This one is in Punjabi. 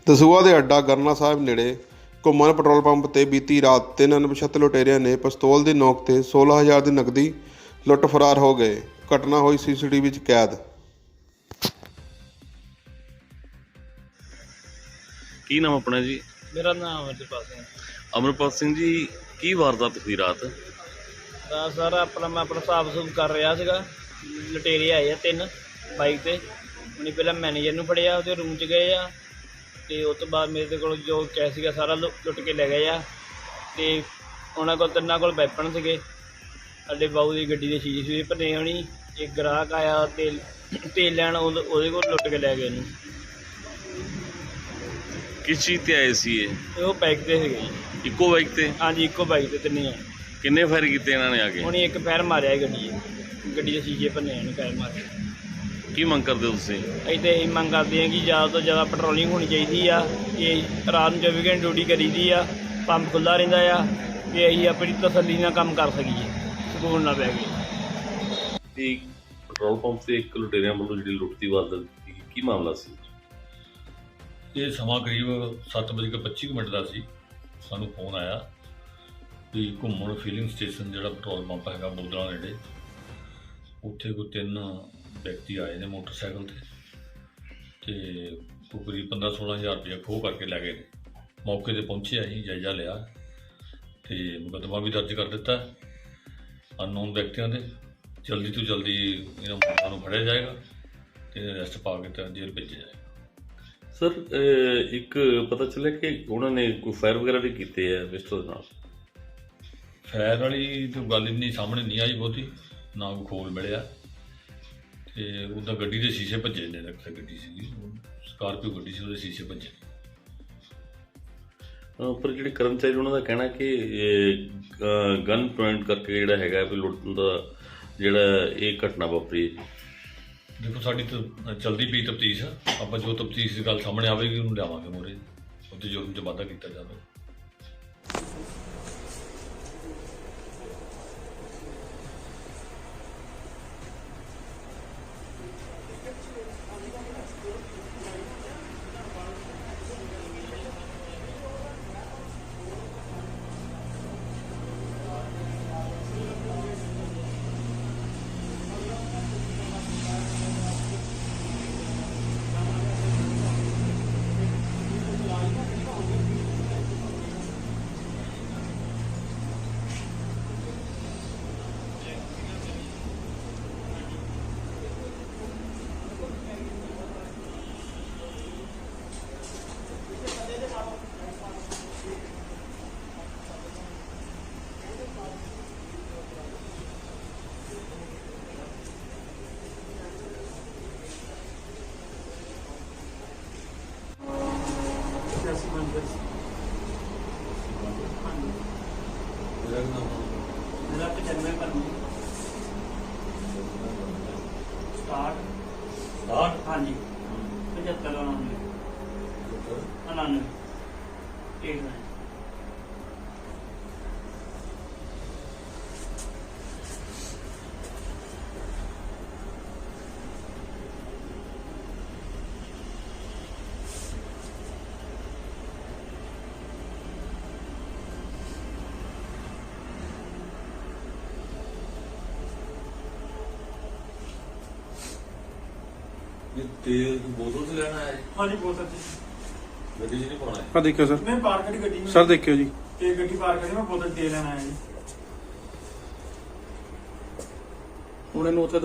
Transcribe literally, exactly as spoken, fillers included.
ਦਸੂਹਾ ਦੇ ਅੱਡਾ ਗਰਨਾ ਸਾਹਿਬ ਨੇੜੇ ਘੁੰਮਣ ਪੈਟਰੋਲ ਪੰਪ ਤੇ ਬੀਤੀ ਰਾਤ ਤਿੰਨ ਅਣਪਛਾਤੇ ਲੁਟੇਰਿਆਂ ਨੇ ਪਿਸਤੌਲ ਦੀ ਨੋਕ ਤੇ सोलह हज़ार ਦੀ ਨਕਦੀ ਲੁੱਟ ਫਰਾਰ ਹੋ ਗਏ। ਘਟਨਾ ਹੋਈ ਸੀਸੀਟੀਵੀ ਵਿੱਚ ਕੈਦ। ਕੀ ਨਾਮ ਆਪਣਾ ਜੀ? ਮੇਰਾ ਨਾਮ ਅਮਰਪਾਲ ਸਿੰਘ। ਅਮਰਪਾਲ ਸਿੰਘ ਜੀ, ਕੀ ਵਾਰਦਾਤ ਹੋਈ ਰਾਤ? ਤਾਂ ਸਰ ਆਪਣਾ ਮੈਂ ਆਪਣਾ ਹਿਸਾਬ ਸੂਬ ਕਰ ਰਿਹਾ ਸੀਗਾ, ਲੁਟੇਰੇ ਆਏ ਆ ਤਿੰਨ ਬਾਈਕ ਤੇ। ਉਹਨੇ ਪਹਿਲਾਂ ਮੈਨੇਜਰ ਨੂੰ ਫੜਿਆ, ਉਹਦੇ ਰੂਮ 'ਚ ਗਏ ਆ ਅਤੇ ਉਸ ਤੋਂ ਬਾਅਦ ਮੇਰੇ ਕੋਲ ਜੋ ਕੈਸ਼ ਸੀਗਾ ਸਾਰਾ ਲੁ ਲੁੱਟ ਕੇ ਲੈ ਗਏ ਆ। ਅਤੇ ਉਹਨਾਂ ਕੋਲ ਤਿੰਨਾਂ ਕੋਲ ਵੈਪਨ ਸੀਗੇ। ਸਾਡੇ ਬਾਊ ਦੀ ਗੱਡੀ ਦੇ ਸ਼ੀਸ਼ੇ ਸ਼ੂਸ਼ੇ ਭੰਨੇ ਹੋਣੀ। ਇੱਕ ਗ੍ਰਾਹਕ ਆਇਆ ਤੇਲ ਤੇਲ ਲੈਣ, ਉਹਦੇ ਉਹਦੇ ਕੋਲ ਲੁੱਟ ਕੇ ਲੈ ਗਏ ਉਹਨੂੰ। ਕਿਸ ਚੀਜ਼ ਤੇ ਆਏ ਸੀ ਇਹ? ਅਤੇ ਉਹ ਬਾਈਕ 'ਤੇ ਸੀਗੇ ਜੀ। ਇੱਕੋ ਬਾਈਕ ਤੇ? ਹਾਂਜੀ, ਇੱਕੋ ਬਾਈਕ 'ਤੇ ਤਿੰਨੇ ਆ। ਕਿੰਨੇ ਫਾਇਰ ਕੀਤੇ ਇਹਨਾਂ ਨੇ ਆ ਕੇ? ਉਹਨੇ ਇੱਕ ਫਾਇਰ ਮਾਰਿਆ ਸੀ ਗੱਡੀ 'ਚ, ਗੱਡੀ ਦੇ ਸ਼ੀਸ਼ੇ ਭੰਨੇ ਉਹਨੇ ਫਾਇਰ ਮਾਰਿਆ। ਕੀ ਮੰਗ ਕਰਦੇ ਹੋ ਤੁਸੀਂ? ਅਸੀਂ ਤਾਂ ਇਹੀ ਮੰਗ ਕਰਦੇ ਹਾਂ ਕਿ ਜ਼ਿਆਦਾ ਤੋਂ ਜ਼ਿਆਦਾ ਪੈਟਰੋਲਿੰਗ ਹੋਣੀ ਚਾਹੀਦੀ ਆ। ਕਿ ਰਾਤ ਨੂੰ ਚੌਵੀ ਘੰਟੇ ਡਿਊਟੀ ਕਰੀਦੀ ਆ, ਪੰਪ ਖੁੱਲ੍ਹਾ ਰਹਿੰਦਾ ਆ, ਕਿ ਅਸੀਂ ਆਪਣੀ ਤਸੱਲੀ ਨਾਲ ਕੰਮ ਕਰ ਸਕੀਏ, ਸਕੂਨ ਨਾ ਪੈ ਗਏ। ਤੇ ਪੈਟਰੋਲ ਪੰਪ ਤੇ ਇੱਕ ਲੁਟੇਰਿਆਂ ਵੱਲੋਂ ਜਿਹੜੀ ਲੁੱਟ ਦੀ ਵਾਰਦਾਤ ਕੀਤੀ, ਕੀ ਮਾਮਲਾ ਸੀ? ਇਹ ਸਮਾਂ ਕਰੀਬ ਸੱਤ ਵਜੇ ਕੇ ਪੱਚੀ ਮਿੰਟ ਦਾ ਸੀ। ਸਾਨੂੰ ਫੋਨ ਆਇਆ ਵੀ ਘੁੰਮਣ ਫੀਲਿੰਗ ਸਟੇਸ਼ਨ ਜਿਹੜਾ ਪੈਟਰੋਲ ਪੰਪ ਹੈਗਾ ਬੋਦਲਾ ਨੇੜੇ, ਉੱਥੇ ਕੋਈ ਤਿੰਨ ਵਿਅਕਤੀ ਆਏ ਨੇ ਮੋਟਰਸਾਈਕਲ 'ਤੇ ਅਤੇ ਕੋਈ ਕਰੀਬ ਪੰਦਰਾਂ ਸੋਲ੍ਹਾਂ ਹਜ਼ਾਰ ਰੁਪਇਆ ਖੋਹ ਕਰਕੇ ਲੈ ਗਏ ਨੇ। ਮੌਕੇ 'ਤੇ ਪਹੁੰਚੇ, ਅਸੀਂ ਜਾਇਜ਼ਾ ਲਿਆ ਅਤੇ ਮੁਕੱਦਮਾ ਵੀ ਦਰਜ ਕਰ ਦਿੱਤਾ ਅਨਨੋਨ ਵਿਅਕਤੀਆਂ ਦੇ। ਜਲਦੀ ਤੋਂ ਜਲਦੀ ਇਹਨਾਂ ਮੁਲਕਾਂ ਨੂੰ ਫੜਿਆ ਜਾਏਗਾ ਅਤੇ ਅਰੈਸਟ ਪਾ ਕੇ ਤਾਂ ਜੇਲ੍ਹ ਭੇਜਿਆ ਜਾਏਗਾ। ਸਰ, ਇੱਕ ਪਤਾ ਚੱਲਿਆ ਕਿ ਉਹਨਾਂ ਨੇ ਕੋਈ ਫਾਇਰ ਵਗੈਰਾ ਵੀ ਕੀਤੇ ਆ ਪਿਸਤੌਲ ਦੇ ਨਾਲ? ਫਾਇਰ ਵਾਲੀ ਤਾਂ ਗੱਲ ਇੰਨੀ ਸਾਹਮਣੇ ਨਹੀਂ ਆਈ ਬਹੁਤੀ, ਨਾ ਕੋਈ ਖੋਲ ਮਿਲਿਆ। ਅਤੇ ਉਹਦਾ ਗੱਡੀ ਦੇ ਸ਼ੀਸ਼ੇ ਭੱਜੇ ਨੇ। ਰੱਖਿਆ ਗੱਡੀ ਸੀਗੀ, ਸਕਾਰਪੀਓ ਗੱਡੀ ਸੀ, ਉਹਦੇ ਸ਼ੀਸ਼ੇ ਭੱਜੇ। ਪਰ ਜਿਹੜੇ ਕਰਮਚਾਰੀ ਉਹਨਾਂ ਦਾ ਕਹਿਣਾ ਕਿ ਗਨ ਪੁਆਇੰਟ ਕਰਕੇ ਜਿਹੜਾ ਹੈਗਾ ਵੀ ਲੁੱਟਣ ਦਾ ਜਿਹੜਾ ਇਹ ਘਟਨਾ ਵਾਪਰੀ ਹੈ। ਦੇਖੋ, ਸਾਡੀ ਤਾਂ ਚਲਦੀ ਪਈ ਤਫਤੀਸ਼ ਆ। ਆਪਾਂ ਜੋ ਤਫਤੀਸ਼ ਦੀ ਗੱਲ ਸਾਹਮਣੇ ਆਵੇਗੀ ਉਹਨੂੰ ਲਿਆਵਾਂਗੇ ਮੂਹਰੇ, ਉਹਦੇ ਜੁਰਮ 'ਚ ਵਾਧਾ ਕੀਤਾ ਜਾਵੇ। ਮੇਰਾ ਪਚਾਨਵੇਂ ਭਰਨੀ ਸਟਾਰਟ ਸਟਾਰਟ ਹਾਂਜੀ ਪਝੱਤਰ ਉਣਾਨਵੇਂ ਉਣਾਨਵੇਂ ਏਟ ਨਾइन। तेल बोतल से लेना है? हाँ जी, बहुत अच्छी गड्डी 'ਚ नहीं पाना है? ਆ ਦੇਖਿਓ ਸਰ, मैं पार करी गड्डी में ਸਰ ਦੇਖਿਓ ਜੀ। ते गड्डी पार करी मैं बोतल दे लेना है जी। ਹੁਣ ਇਹਨੂੰ ਉੱਥੇ